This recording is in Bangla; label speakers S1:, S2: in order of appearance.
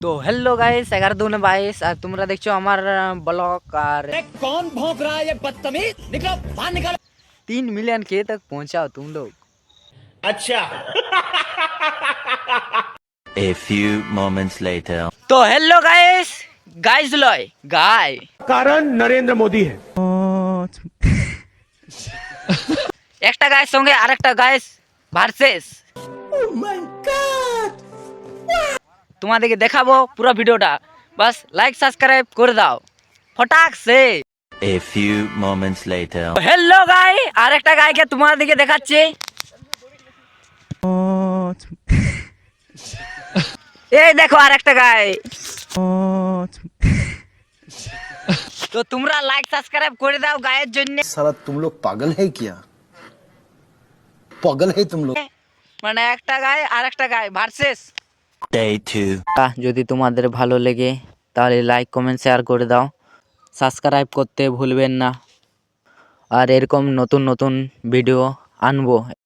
S1: তো হ্যালো গাইস 11 2 22 আর তোমরা দেখছো আমার ব্লগ আর
S2: कौन भौंक रहा है ये बदतमीज निकलो बाहर निकलो
S1: 3 मिलियन के तक पहुंचाओ तुम लोग।
S2: अच्छा
S3: A few moments later.
S1: তো হ্যালো গাইস গাইস লয় গাই
S2: कारण नरेंद्र मोदी है
S1: একটা গায়ের সঙ্গে আরেকটা গাইস ভার্সেস তোমাদেরকে দেখাবো পুরো ভিডিওটা, বাস লাইক সাবস্ক্রাইব করে দাও ফটাক সে।
S3: A few moments later.
S1: Hello গাই আরেকটা গাইকে তোমাদেরকে দেখাচ্ছি। এই দেখো আরেকটা গাই। তো তোমরা লাইক সাবস্ক্রাইব করে দাও গায়ের জন্য।
S4: साला तुम लोग पागल है क्या? पागल है तुम लोग?
S1: মানে একটা গাই আর একটা গাই ভার্সেস।
S3: Day 2.
S1: যদি তোমাদের ভালো লেগে তাহলে লাইক কমেন্ট শেয়ার করে দাও, সাবস্ক্রাইব করতে ভুলবেন না। আর এরকম নতুন নতুন ভিডিও আনবো।